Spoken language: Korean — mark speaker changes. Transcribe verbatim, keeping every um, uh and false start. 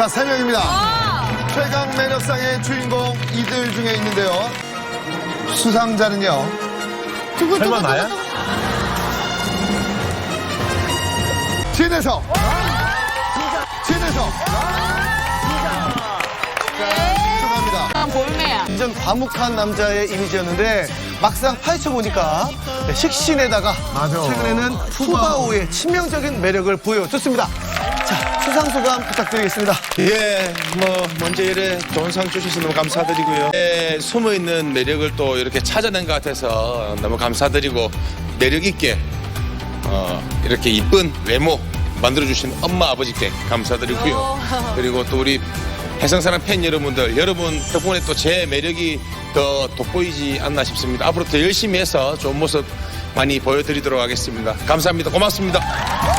Speaker 1: 자, 세 명입니다. 최강 매력상의 주인공 이들 중에 있는데요. 수상자는요.
Speaker 2: 두구, 두구,
Speaker 3: 설마
Speaker 2: 두구,
Speaker 3: 나야?
Speaker 2: 두구.
Speaker 1: 진혜성. 진혜성. 축하합니다.
Speaker 2: 아, 볼매야.
Speaker 4: 이전 과묵한 남자의 이미지였는데 막상 파헤쳐보니까 식신에다가
Speaker 1: 맞아.
Speaker 4: 최근에는 푸바오의 치명적인 매력을 보여줬습니다. 자, 수상소감 부탁드리겠습니다.
Speaker 5: 예, 뭐 먼저 이래 좋은 상 주셔서 너무 감사드리고요. 예, 숨어있는 매력을 또 이렇게 찾아낸 것 같아서 너무 감사드리고 매력 있게 어, 이렇게 이쁜 외모 만들어주신 엄마 아버지께 감사드리고요. 그리고 또 우리 해성사랑 팬 여러분들, 여러분 덕분에 또 제 매력이 더 돋보이지 않나 싶습니다. 앞으로 더 열심히 해서 좋은 모습 많이 보여드리도록 하겠습니다. 감사합니다. 고맙습니다.